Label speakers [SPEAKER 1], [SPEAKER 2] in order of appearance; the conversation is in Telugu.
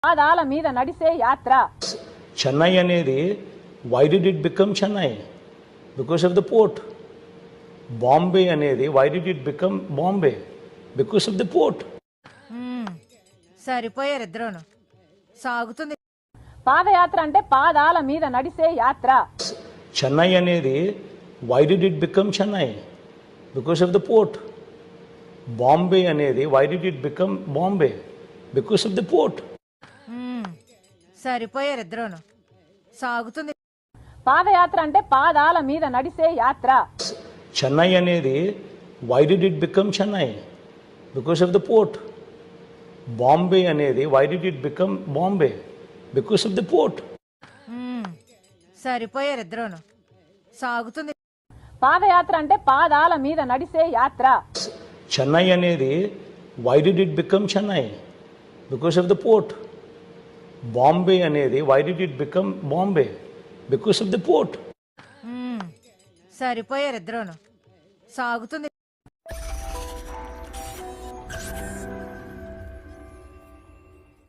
[SPEAKER 1] పాదాల మీద నడిసే యాత్ర.
[SPEAKER 2] చెన్నై అనేది why did it become Chennai? Because of the port. Bombay అనేది why did it become Bombay? Because of the port.
[SPEAKER 3] సరిపోయారు ఇద్దరును. సాగుతుంది.
[SPEAKER 1] పాదయాత్ర అంటే పాదాల మీద నడిసే యాత్ర.
[SPEAKER 2] చెన్నై అనేది why did it become Chennai? Because of the port. Bombay అనేది why did it become Bombay? Because of the port.
[SPEAKER 3] సరిపోయారు ఇద్దరును. సాగుతుంది.
[SPEAKER 1] పాదయాత్ర అంటే పాదాల మీద నడిసే యాత్ర.
[SPEAKER 2] చెన్నై అనేది why did it become Chennai? Because of the port. Bombay అనేది why did it become Bombay? Because of the port.
[SPEAKER 3] సరిపోయారు ఇద్దరును. సాగుతుంది.
[SPEAKER 1] పాదయాత్ర అంటే పాదాల మీద నడిసే యాత్ర.
[SPEAKER 2] చెన్నై అనేది why did it become Chennai? Because of the port. Bombay అనేది why did it become Bombay? Because of the port.
[SPEAKER 3] సరిపోయారు ఇద్దరును. సాగుతుంది.